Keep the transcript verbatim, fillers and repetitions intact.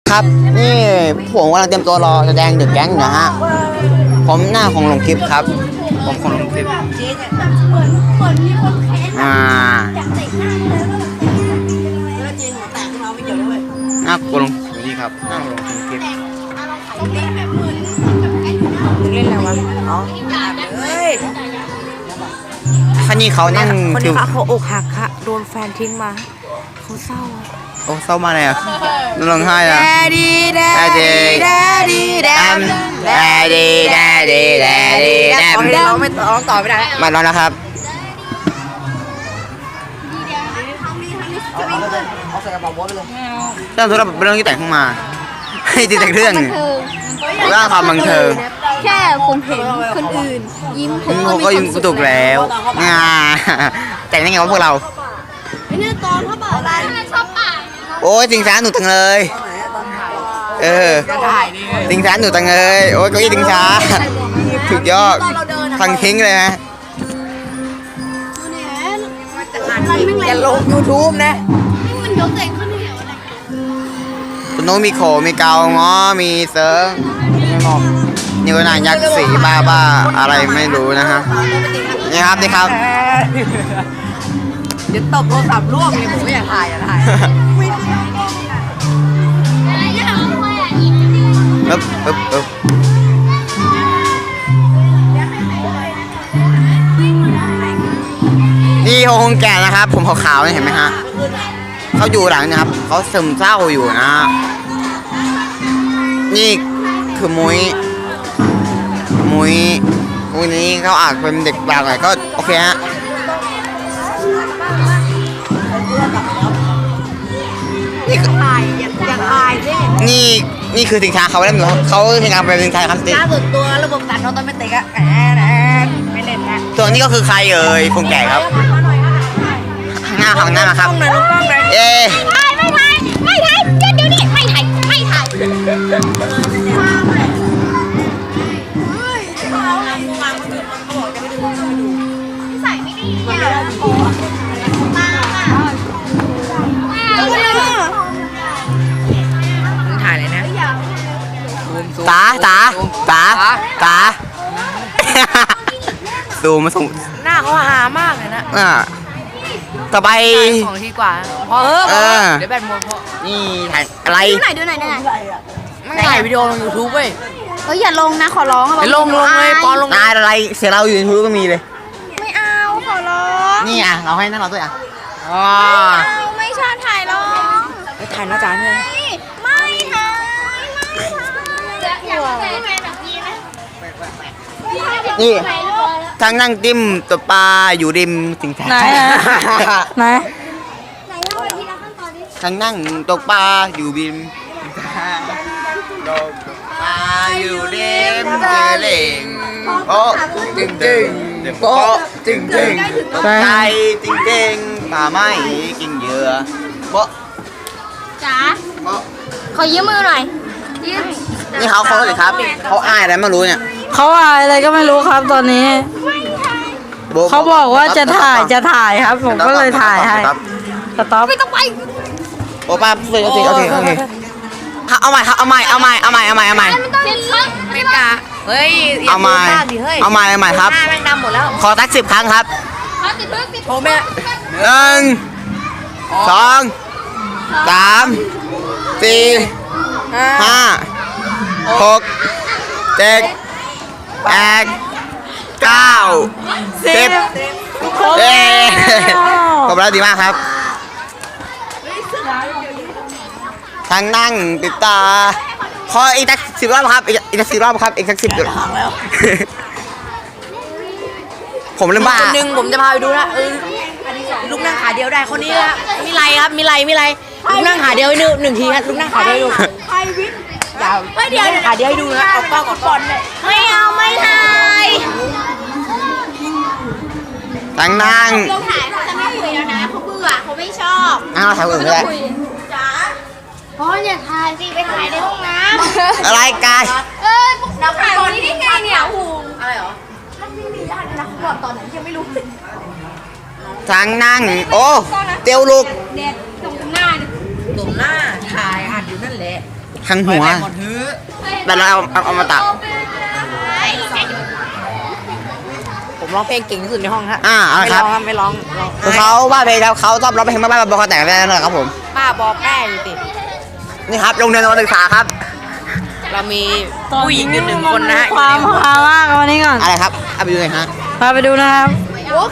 ครับนี่ผมกำลังเตรียมตัวรอแสดงเดอะแก๊งนะฮะผมหน้าของลงคลิปครับผมของลงคลิปอ่าหน้ากูลงนี่ครับหน้าลงคลิปเล่นอะไรวะอ๋อเฮ้ยคันนี้เขานั่งคนนี้เขาอกหักค่ะโดนแฟนทิ้งมาเขาเศร้าโอ้เศร้ามาเลยอ่ะร้องไห้อ่ะ Daddy Daddy Daddy Daddy Daddy Daddy Daddy ตอนนี้ร้องไม่ร้องต่อไม่ได้มาแล้วนะครับเรื่องธุรกิจเรื่องที่แต่งขึ้นมาให้ตีแต่งเรื่องเรื่องความบังเทิงแค่คนเห็นคนอื่นยิ้มผมก็ยิ้มถูกแล้วงาแต่งยังไงวะพวกเราเนี่ยตอนเขาบอกอะไรชอบป่าโอ้ยสิงสารหนูจังเลยเออสิงสารหนูจังเลยโอ้ยก็ยี่สิงสารถูกยอดฟังทิ้งเลยฮะอย่าลง ยูทูบ นะมันยกเตะขึ้นเหวอะไรคุณน้องมีโขมีเกาง้อมีเซิร์ฟนี่ก็นายยักษ์สีบ้าบ้าอะไรไม่รู้นะฮะนี่ครับนี่ครับเดี๋ยวตบโทรศัพท์ร่วงเลยผมไม่อยากถ่ายอยากถ่ายปึ๊บปึ๊บปึ๊บนี่เขาคงแก่นะครับผมขาวๆนี่เห็นไหมฮะเขาอยู่หลังนะครับเขาซึมเศร้าอยู่นะนี่คือมุ้ยมุ้ยมุ้ยนี้เขาอาจเป็นเด็กบางหน่อยก็โอเคฮะนี่ก็ถ่ายอยากอยากถ่ายดินี่นี่คือสินค้าเขาแล้วเขาสินค้าเป็นสินค้าครับสิล่าสุดตัวระบบตัดออโตเมติกอะแหมไม่เล่นนะส่วนนี้ก็คือใครเอ่ยคงแก่ครับหน้าของหน้ามาครับเอ๊ไม่ถ่ายไม่ถ่ายไม่ถ่ายเดี๋ยวนี้ไม่ถ่ายไม่ถ่ายใส่ไม่ดีอ่ะมาถ่ายเลยนะตาตาตาตาดูมาส่งหน้าเขาหามากเลยนะอ่าต่อไปสองทีกว่าพอเออเดี๋ยวแบตหมดพอนี่ถ่ายอะไรดูไหนดูไหนดูไหนไม่ถ่ายวิดีโอลง ยูทูบ เว้ยเฮ้ยอย่าลงนะขอร้องอย่าลงลงเลยปอนลงนายอะไรเสียเราอยู่ในทูก็มีเลยไม่เอาขอร้องนี่อ่ะเราให้นั่นเราด้วยอ่ะอ๋อไม่ชอบถ่ายลงไปถ่ายหน้าจานเลยไม่ถ่ายไม่ถ่ายอยากถ่ายแบบนี้นะนี่ทั้งนั่งจิ้มตัวปลาอยู่ริมสิงแสไหนไหนทั้งนั่งตกปลาอยู่ริมตกปลาอยู่ริมเจริญโป๊ะจึงจึงโป๊ะจึงจึงตกใจจริงจริงป่าไม้กินเหยื่อโป๊ะจ๋าขอยืมมือหน่อยยืมนี่เขาเขาเลยครับเขาอายอะไรไม่รู้เนี่ยเขาอายอะไรก็ไม่รู้ครับตอนนี้เขาบอกว่าจะถ่ายจะถ่ายครับผมก็เลยถ่ายให้สต็อปไม่ต้องไปโอ้ป้าโอเคโอเคโอเคเอาใหม่ครับเอาใหม่เอาใหม่เอาใหม่เอาใหม่เอาใหม่ไม่กล้าเฮ้ยเอาใหม่เอาใหม่เอาใหม่ครับหน้าแม่งดำหมดแล้วขอสักสิบครั้งครับโทรแม่หนึ่งสองสามสี่ห้าหกเจ็ดแปดเก้าสิบเอ๊ะขอบคุณดีมากครับทางนั่งติดตาขออีกสักสิบรอบครับอีกสักสิบรอบครับอีกสักสิบรอบผมเริ่มบ้าคนหนึ่งผมจะพาไปดูนะเออลูกนั่งขาเดียวได้คนนี้ละมีไรครับมีไรมีไรลูกนั่งขาเดียวให้ดูหนึ่งทีครับลูกนั่งขาเดียวดูยาวไม่เดียวขาเดียวให้ดูนะออกกล้องออกบอลเลยไม่เอาไม่ถ่ายทางนั่งเราถ่ายเขาจะไม่คุยแล้วนะเขาเบื่อเขาไม่ชอบอ้าวถ่ายอื่นไม่ได้จ๋าเพราะอย่าถ่ายสิไปถ่ายในห้องน้ำอะไรกายเออเราถ่ายวันนี้ได้ไงเนี่ยหูอะไรหรอมันไม่มีได้นะเขาบอกตอนนั้นยังไม่รู้ทางนั่งโอ้เตียวลูกเด็ดตรงหน้าตรงหน้าถ่ายอัดอยู่นั่นแหละข้างหัวหมดฮื้อแต่เราเอาเอาเอามาตัดผมร้องเพลงเก่งที่สุดในห้องฮะอ่าเอาไม่คร้รับองครับไม่ร้องร้องคือเขาว่าเพลงครับเขาชอบร้องเพลงบ้าๆบอๆแต่งได้เลยครับผมป้าบอกแม่อยู่สินี่ครับโรงเรียนการศึกษาครับเรามีผู้หญิงอยู่หนึ่งคนนะฮะความฮามากวันนี้ก่อนอะไรครับเอาไปดูหน่อยฮะพาไปดูนะครับ